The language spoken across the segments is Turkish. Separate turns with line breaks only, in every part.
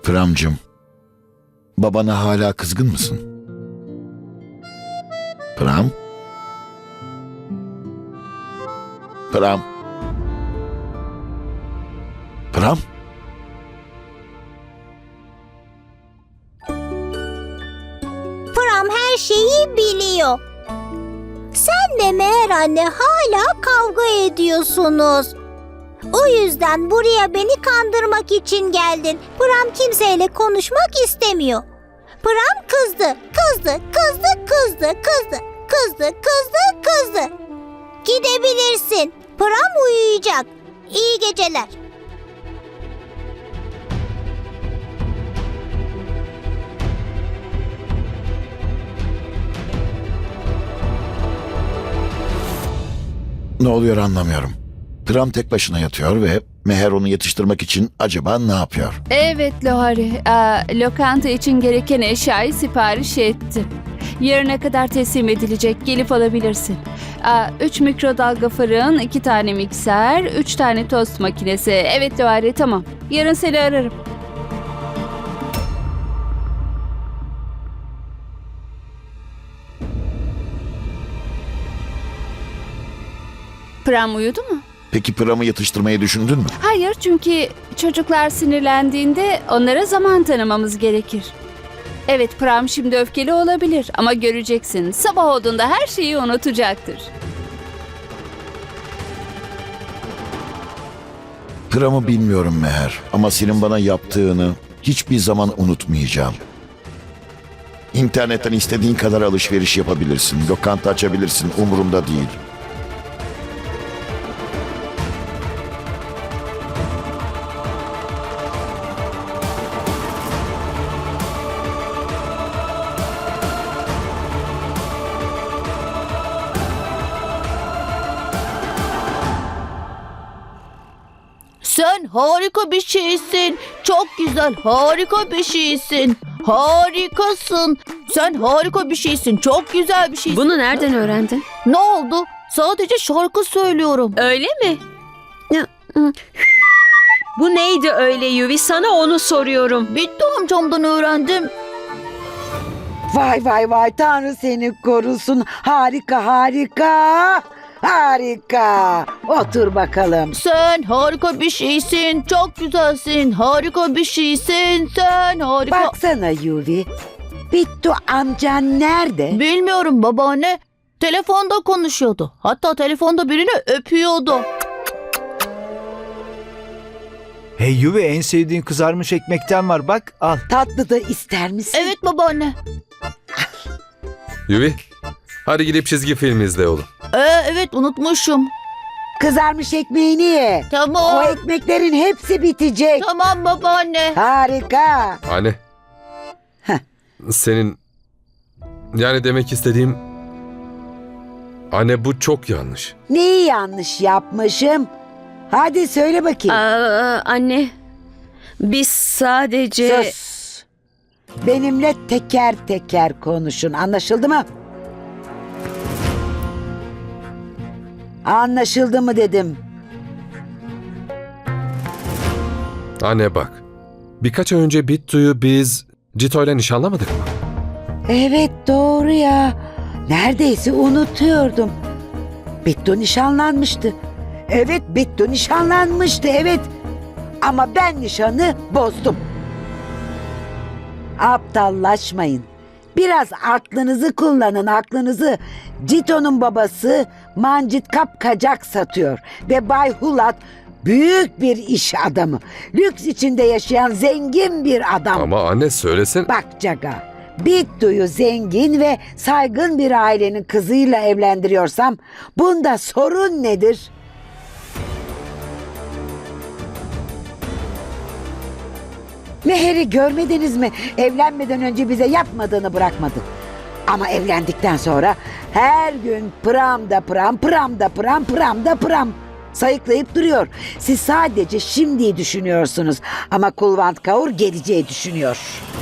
Pramcığım, babana hala kızgın mısın? Pram? Pram? Pram?
Pram her şeyi biliyor. Sen de Meher anne hala kavga ediyorsunuz. O yüzden buraya beni kandırmak için geldin. Pram kimseyle konuşmak istemiyor. Pram kızdı. Gidebilirsin. Pram uyuyacak. İyi geceler.
Ne oluyor anlamıyorum. Pram tek başına yatıyor ve Meher onu yatıştırmak için acaba ne yapıyor?
Evet Lohari, lokanta için gereken eşyayı sipariş ettim. Yarına kadar teslim edilecek, gelip alabilirsin. 3 mikrodalga fırın, 2 tane mikser, 3 tane tost makinesi. Evet Lohari, tamam. Yarın seni ararım. Pram uyudu mu?
Peki Pram'ı yatıştırmayı düşündün mü?
Hayır, çünkü çocuklar sinirlendiğinde onlara zaman tanımamız gerekir. Evet, Pram şimdi öfkeli olabilir ama göreceksin, sabah olduğunda her şeyi unutacaktır.
Pram'ı bilmiyorum Meher ama senin bana yaptığını hiçbir zaman unutmayacağım. İnternetten istediğin kadar alışveriş yapabilirsin, lokanta açabilirsin, umurumda değil.
Sen harika bir şeysin. Çok güzel, harika bir şeysin. Harikasın. Sen harika bir şeysin. Çok güzel bir şeysin.
Bunu nereden öğrendin?
Ne oldu? Sadece şarkı söylüyorum.
Öyle mi? Bu neydi öyle Yuvi? Sana onu soruyorum.
Bitti amcamdan öğrendim.
Vay vay vay, Tanrı seni korusun. Harika harika. Harika. Otur bakalım.
Sen harika bir şeysin. Çok güzelsin. Harika bir şeysin. Sen harika.
Baksana Yuvi. Bittu amcan nerede?
Bilmiyorum babaanne. Telefonda konuşuyordu. Hatta telefonda birini öpüyordu.
Hey Yuvi, en sevdiğin kızarmış ekmekten var, bak al.
Tatlı da ister misin?
Evet babaanne.
Yuvi, hadi gidip çizgi film izle oğlum.
Evet unutmuşum.
Kızarmış ekmeğini ye.
Tamam.
O ekmeklerin hepsi bitecek.
Tamam babaanne.
Harika.
Anne.
Heh.
Senin... Yani demek istediğim... Anne bu çok yanlış.
Neyi yanlış yapmışım? Hadi söyle bakayım.
Anne, biz sadece...
Sus. Benimle teker teker konuşun. Anlaşıldı mı? Anlaşıldı mı dedim.
Anne bak. Birkaç ay önce Bittu'yu biz Cito'yla nişanlamadık mı?
Evet doğru ya. Neredeyse unutuyordum. Bittu nişanlanmıştı. Evet Bittu nişanlanmıştı evet. Ama ben nişanı bozdum. Aptallaşmayın. Biraz aklınızı kullanın, aklınızı. Cito'nun babası mancit kapkacak satıyor. Ve Bay Hulat büyük bir iş adamı. Lüks içinde yaşayan zengin bir adam.
Ama anne söylesin.
Bak Caga, Bittu'yu zengin ve saygın bir ailenin kızıyla evlendiriyorsam bunda sorun nedir? Meher'i görmediniz mi? Evlenmeden önce bize yapmadığını bırakmadı. Ama evlendikten sonra her gün pram da pram, pram da pram, pram da pram sayıklayıp duruyor. Siz sadece şimdiyi düşünüyorsunuz ama Kulvant Kaur geleceği düşünüyor.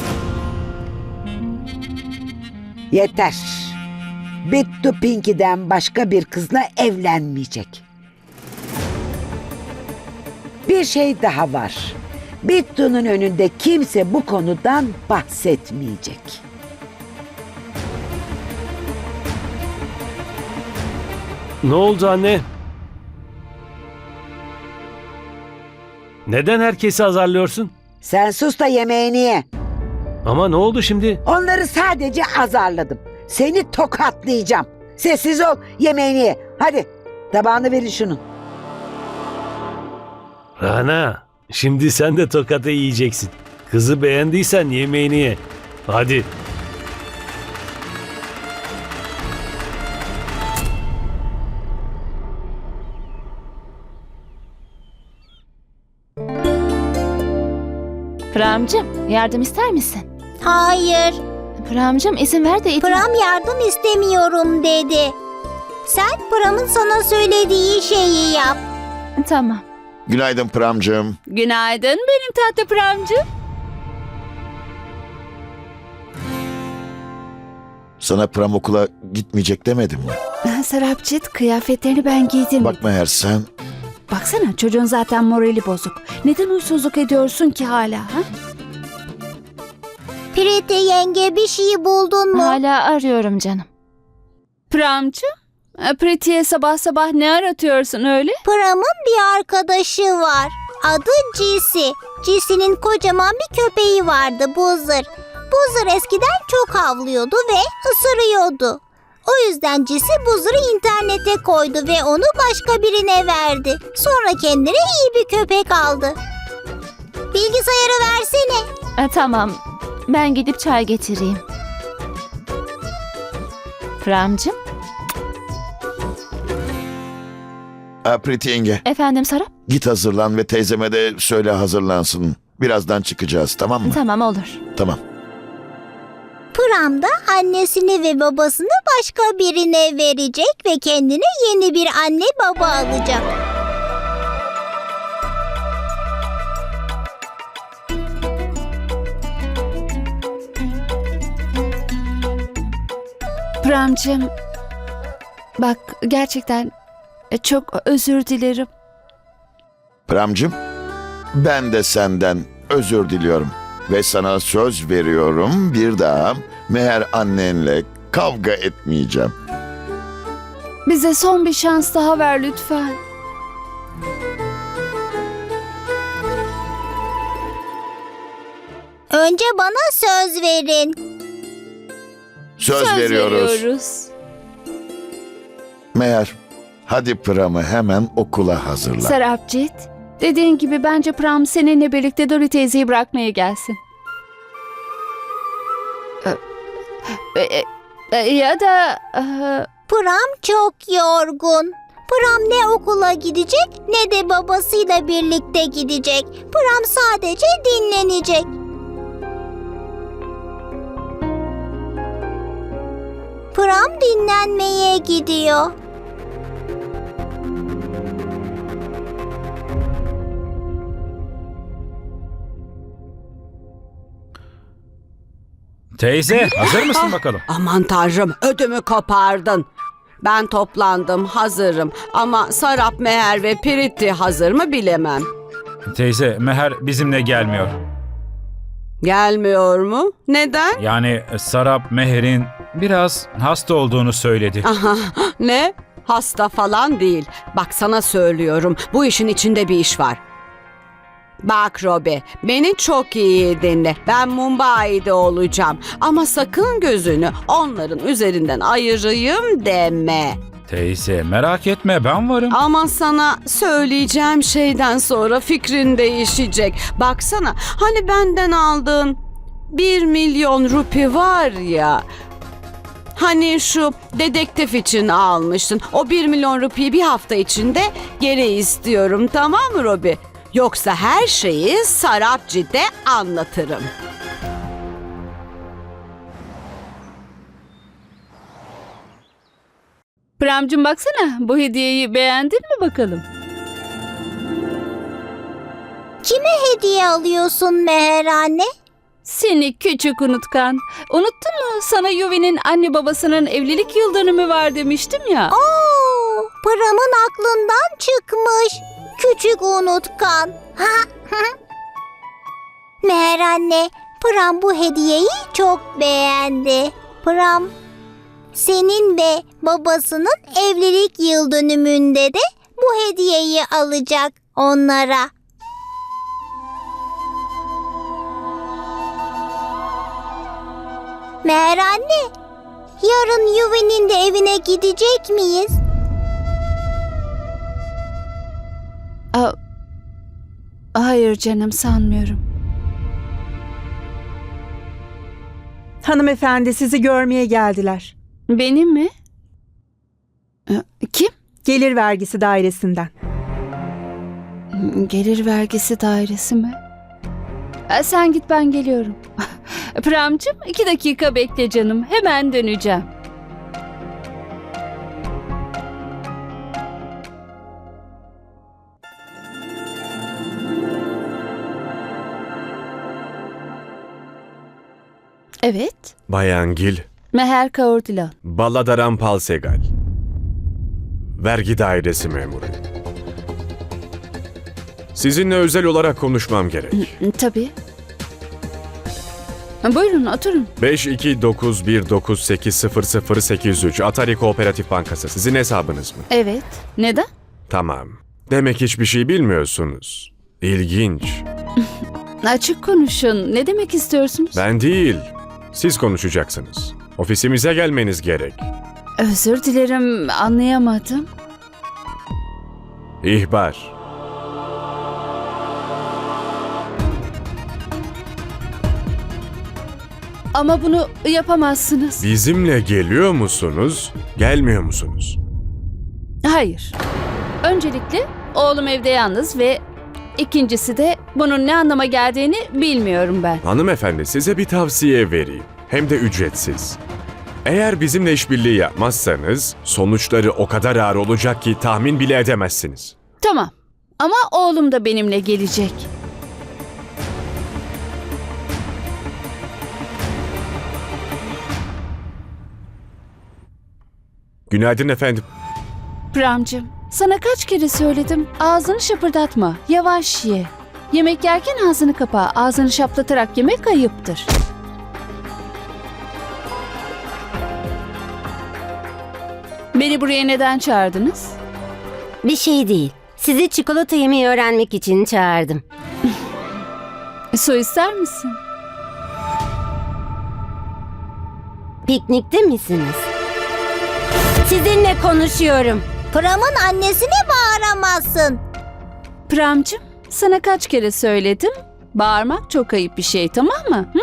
Yeter. Bittu Pinky'den başka bir kızla evlenmeyecek. Bir şey daha var. Bittu'nun önünde kimse bu konudan bahsetmeyecek.
Ne oldu anne? Neden herkesi azarlıyorsun?
Sen sus da yemeğini ye.
Ama ne oldu şimdi?
Onları sadece azarladım. Seni tokatlayacağım. Sessiz ol, yemeğini ye. Hadi tabağını verin şunun.
Rana, şimdi sen de tokatı yiyeceksin. Kızı beğendiysen yemeğini ye. Hadi.
Pramcığım yardım ister misin?
Hayır,
Pramcığım izin ver de
Pram yardım istemiyorum dedi. Sen Pram'ın sana söylediği şeyi yap.
Tamam.
Günaydın Pramcığım.
Günaydın benim tatlı Pramcığım.
Sana Pram okula gitmeyecek demedim mi?
Sarapcit, kıyafetlerini ben giydim.
Bak Meher, sen
Baksana, çocuğun zaten morali bozuk. Neden huysuzluk ediyorsun ki hala? Ha?
Priti yenge, bir şey buldun mu?
Hala arıyorum canım.
Pramcığım, Priti'ye sabah sabah ne aratıyorsun öyle?
Pram'ın bir arkadaşı var. Adı Cisi. Cisi'nin kocaman bir köpeği vardı, Buzzer. Buzzer eskiden çok havlıyordu ve ısırıyordu. O yüzden Cisi Buzzer'ı internete koydu ve onu başka birine verdi. Sonra kendine iyi bir köpek aldı. Bilgisayarı versene.
Tamam. Ben gidip çay getireyim. Pramcığım.
Priti yenge,
Efendim Sarap?
git hazırlan ve teyzeme de söyle hazırlansın. Birazdan çıkacağız, tamam mı?
Tamam olur.
Tamam.
Pram da annesini ve babasını başka birine verecek ve kendine yeni bir anne baba alacak.
Pramcığım, bak gerçekten çok özür dilerim.
Pramcığım, ben de senden özür diliyorum. Ve sana söz veriyorum, bir daha Meher annenle kavga etmeyeceğim.
Bize son bir şans daha ver lütfen.
Önce bana söz verin.
Söz veriyoruz. Meher, hadi Pram'ı hemen okula hazırla.
Sarapcit, dediğin gibi bence Pram seninle birlikte Dori teyzeyi bırakmaya gelsin. Ya da...
Pram çok yorgun. Pram ne okula gidecek ne de babasıyla birlikte gidecek. Pram sadece dinlenecek. Pram dinlenmeye gidiyor.
Teyze, hazır mısın bakalım?
Aman tanrım, ödümü kopardın. Ben toplandım, hazırım. Ama Sarap, Meher ve Priti hazır mı bilemem.
Teyze, Meher bizimle gelmiyor.
Gelmiyor mu? Neden?
Yani Sarap, Meher'in biraz hasta olduğunu söyledi.
Aha, ne? Hasta falan değil. Bak sana söylüyorum, bu işin içinde bir iş var. Bak Robi, beni çok iyi dinle. Ben Mumbai'de olacağım. Ama sakın gözünü onların üzerinden ayırayım deme.
Teyze, merak etme, ben varım.
Ama sana söyleyeceğim şeyden sonra fikrin değişecek. Baksana, hani benden aldığın 1 milyon rupi var ya. Hani şu dedektif için almıştın. O 1 milyon rupiyi bir hafta içinde geri istiyorum, tamam mı Robi? Yoksa her şeyi Sarapci'de anlatırım.
Pramcığım baksana, bu hediyeyi beğendin mi bakalım?
Kime hediye alıyorsun Meher anne?
Seni küçük unutkan. Unuttun mu? Sana Yuvi'nin anne babasının evlilik yıl dönümü var demiştim ya.
Oo, Pram'ın aklından çıkmış. Küçük unutkan. Meher anne, Pram bu hediyeyi çok beğendi. Pram, senin ve babasının evlilik yıl dönümünde de bu hediyeyi alacak onlara. Meher anne, yarın Yuvi'nin de evine gidecek miyiz?
Hayır canım, sanmıyorum.
Hanımefendi sizi görmeye geldiler.
Benim mi? Kim?
Gelir vergisi dairesinden.
Gelir vergisi dairesi mi? Sen git, ben geliyorum. Pramcığım, 2 dakika bekle canım. Hemen döneceğim. Evet.
Bayan Gil,
Meher Kaur Dilan.
Balladaran Palsegal. Vergi dairesi memuru. Sizinle özel olarak konuşmam gerek.
Tabii. Buyurun, oturun.
5291980083 Atari Kooperatif Bankası. Sizin hesabınız mı?
Evet. Neden?
Tamam. Demek hiçbir şey bilmiyorsunuz. İlginç.
Açık konuşun. Ne demek istiyorsunuz?
Ben değil. Siz konuşacaksınız. Ofisimize gelmeniz gerek.
Özür dilerim, anlayamadım.
İhbar.
Ama bunu yapamazsınız.
Bizimle geliyor musunuz, gelmiyor musunuz?
Hayır. Öncelikle oğlum evde yalnız ve ikincisi de bunun ne anlama geldiğini bilmiyorum ben.
Hanımefendi, size bir tavsiye vereyim. Hem de ücretsiz. Eğer bizimle işbirliği yapmazsanız sonuçları o kadar ağır olacak ki tahmin bile edemezsiniz.
Tamam. Ama oğlum da benimle gelecek.
Günaydın efendim.
Pramcığım, sana kaç kere söyledim. Ağzını şapırdatma. Yavaş ye. Yemek yerken ağzını kapa. Ağzını şaplatarak yemek ayıptır. Beni buraya neden çağırdınız?
Bir şey değil. Sizi çikolata yemeyi öğrenmek için çağırdım.
Su ister misin?
Piknikte misiniz? Sizinle konuşuyorum.
Pram'ın annesine bağıramazsın.
Pramcığım, sana kaç kere söyledim? Bağırmak çok ayıp bir şey, tamam mı? Hı?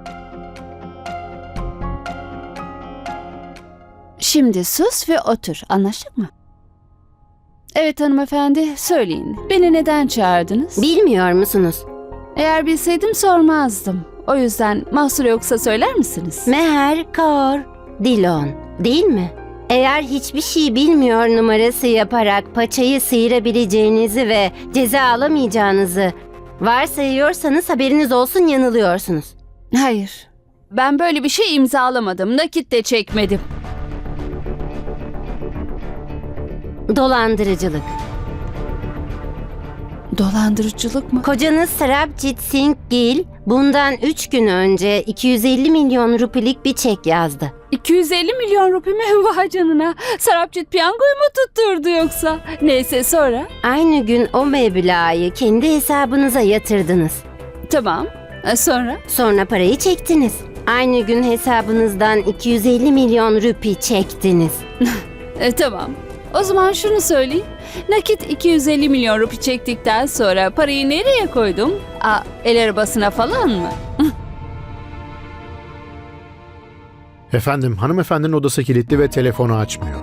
Şimdi sus ve otur, anlaştık mı? Evet hanımefendi, söyleyin. Beni neden çağırdınız?
Bilmiyor musunuz?
Eğer bilseydim sormazdım. O yüzden mahsur yoksa söyler misiniz?
Meher Kaur Dilan, değil mi? Eğer hiçbir şey bilmiyor numarası yaparak paçayı sıyırabileceğinizi ve ceza alamayacağınızı varsayıyorsanız haberiniz olsun, yanılıyorsunuz.
Hayır. Ben böyle bir şey imzalamadım. Nakit de çekmedim.
Dolandırıcılık.
Dolandırıcılık mı?
Kocanız Sarabjit Singh Gill bundan 3 gün önce 250 milyon rupilik bir çek yazdı.
250 milyon rupi mi? Vay canına. Sarabjit piyangoyu mu tutturdu yoksa? Neyse, sonra?
Aynı gün o meblağı kendi hesabınıza yatırdınız.
Tamam. Sonra?
Sonra parayı çektiniz. Aynı gün hesabınızdan 250 milyon rupi çektiniz.
Tamam. O zaman şunu söyleyeyim. Nakit 250 milyon rupi çektikten sonra parayı nereye koydum? El arabasına falan mı?
Efendim, hanımefendinin odası kilitli ve telefonu açmıyor.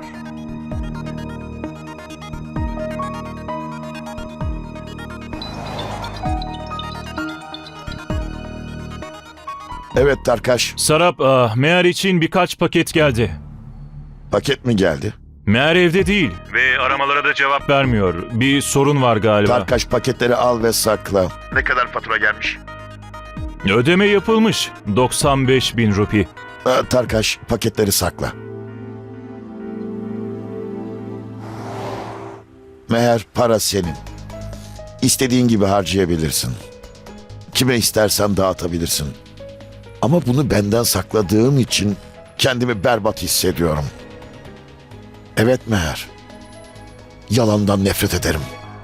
Evet Tarkaş.
Sarap, Meğer için birkaç paket geldi.
Paket mi geldi?
Meğer evde değil ve aramalara da cevap vermiyor. Bir sorun var galiba.
Tarkaş, paketleri al ve sakla. Ne kadar fatura gelmiş?
Ödeme yapılmış. 95 bin rupi.
Tarkaş, paketleri sakla. Meğer para senin. İstediğin gibi harcayabilirsin. Kime istersen dağıtabilirsin. Ama bunu benden sakladığın için kendimi berbat hissediyorum. Evet Meher. Yalandan nefret ederim.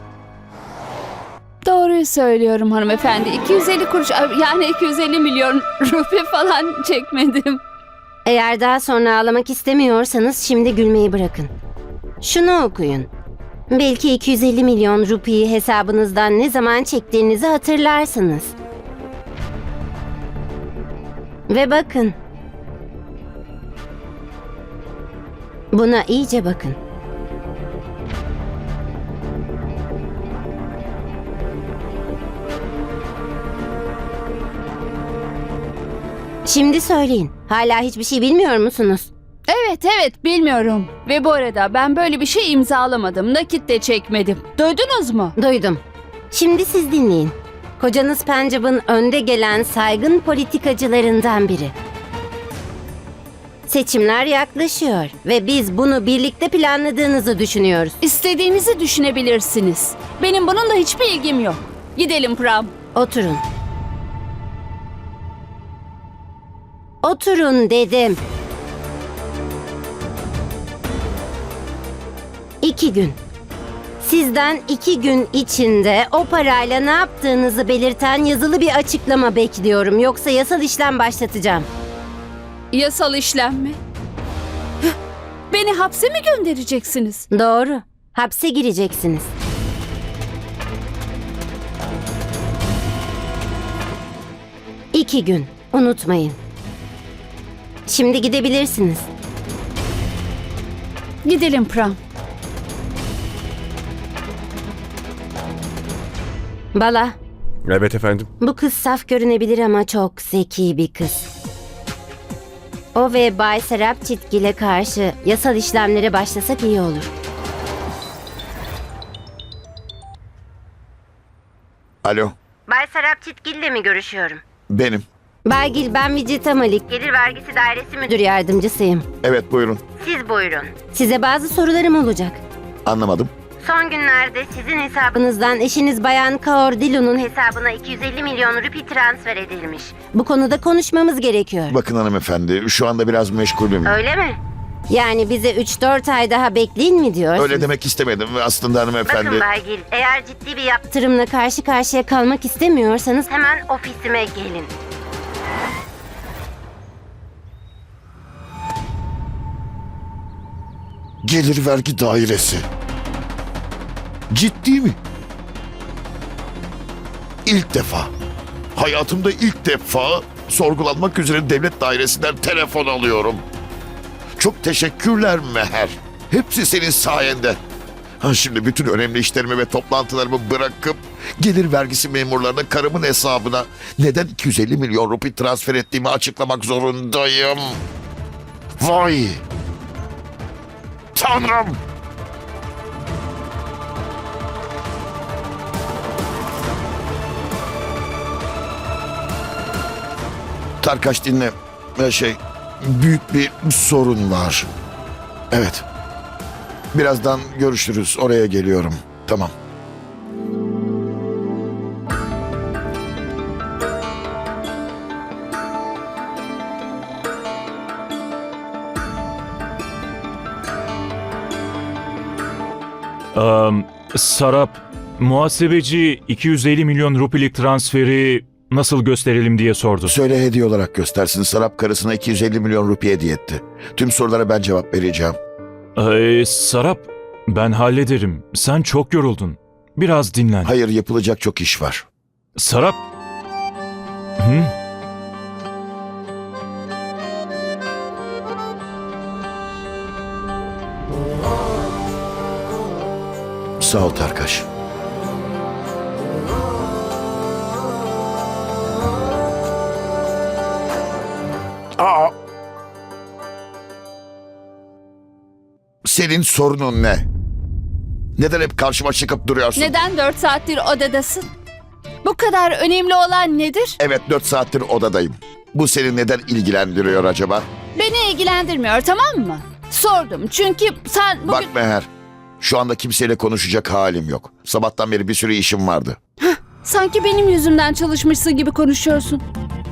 Doğruyu söylüyorum hanımefendi. 250 kuruş, yani 250 milyon rupi falan çekmedim.
Eğer daha sonra ağlamak istemiyorsanız şimdi gülmeyi bırakın. Şunu okuyun. Belki 250 milyon rupiyi hesabınızdan ne zaman çektiğinizi hatırlarsınız. Ve bakın. Buna iyice bakın. Şimdi söyleyin. Hala hiçbir şey bilmiyor musunuz?
Evet bilmiyorum. Ve bu arada ben böyle bir şey imzalamadım. Nakit de çekmedim. Duydunuz mu?
Duydum. Şimdi siz dinleyin. Kocanız Pencap'ın önde gelen saygın politikacılarından biri. Seçimler yaklaşıyor ve biz bunu birlikte planladığınızı düşünüyoruz.
İstediğinizi düşünebilirsiniz. Benim bununla hiçbir ilgim yok. Gidelim Pram.
Oturun. Oturun dedim. 2 gün. Sizden 2 gün içinde o parayla ne yaptığınızı belirten yazılı bir açıklama bekliyorum. Yoksa yasal işlem başlatacağım.
Yasal işlem mi? Beni hapse mi göndereceksiniz?
Doğru. Hapse gireceksiniz. İki gün. Unutmayın. Şimdi gidebilirsiniz.
Gidelim Pram.
Bala,
Evet efendim.
bu kız saf görünebilir ama çok zeki bir kız. O ve Bay Serap Çitgil'e karşı yasal işlemlere başlasak iyi olur.
Alo,
Bay Serap Çitgil'le mi görüşüyorum?
benim.
Bay Gil, ben Vicita Malik. Gelir Vergisi Dairesi Müdür Yardımcısıyım.
Evet, buyurun.
Siz buyurun. Size bazı sorularım olacak.
Anlamadım.
Son günlerde sizin hesabınızdan eşiniz Bayan Kaur Dilu'nun hesabına 250 milyon rupi transfer edilmiş. Bu konuda konuşmamız gerekiyor.
Bakın hanımefendi, şu anda biraz meşgulüm.
Öyle mi? Yani bize 3-4 ay daha bekleyin mi diyorsunuz?
Öyle demek istemedim aslında hanımefendi.
Bakın Bay Gil, eğer ciddi bir yaptırımla karşı karşıya kalmak istemiyorsanız hemen ofisime gelin.
Gelir vergi dairesi. Ciddi mi? İlk defa. Hayatımda ilk defa sorgulanmak üzere devlet dairesinden telefon alıyorum. Çok teşekkürler Meher. Hepsi senin sayende. Şimdi bütün önemli işlerimi ve toplantılarımı bırakıp gelir vergisi memurlarına karımın hesabına neden 250 milyon rupi transfer ettiğimi açıklamak zorundayım. Vay! Tanrım! Tarkaş dinle. Büyük bir sorun var. Evet. Birazdan görüşürüz. Oraya geliyorum. Tamam.
Sarap, muhasebeci 250 milyon rupilik transferi nasıl gösterelim diye sordu.
Söyle hediye olarak göstersin. Sarap karısına 250 milyon rupi hediye etti. Tüm sorulara ben cevap vereceğim.
Sarap, ben hallederim. Sen çok yoruldun. Biraz dinlen.
Hayır, yapılacak çok iş var.
Sarap. Hı?
Sağ ol Tarkaş. Senin sorunun ne? Neden hep karşıma çıkıp duruyorsun?
Neden 4 saattir odadasın? Bu kadar önemli olan nedir?
Evet, 4 saattir odadayım. Bu seni neden ilgilendiriyor acaba?
Beni ilgilendirmiyor, tamam mı? Sordum çünkü sen bugün...
Bak Meher, şu anda kimseyle konuşacak halim yok. Sabahtan beri bir sürü işim vardı.
Sanki benim yüzümden çalışmışsın gibi konuşuyorsun.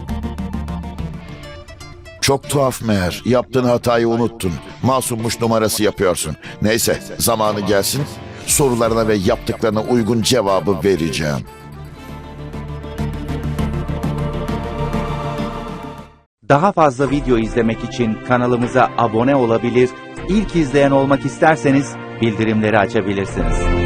Çok tuhaf Meher. Yaptığın hatayı unuttun. Masummuş numarası yapıyorsun. Neyse, zamanı gelsin. Sorularına ve yaptıklarına uygun cevabı vereceğim.
Daha fazla video izlemek için kanalımıza abone olabilir, ilk izleyen olmak isterseniz bildirimleri açabilirsiniz.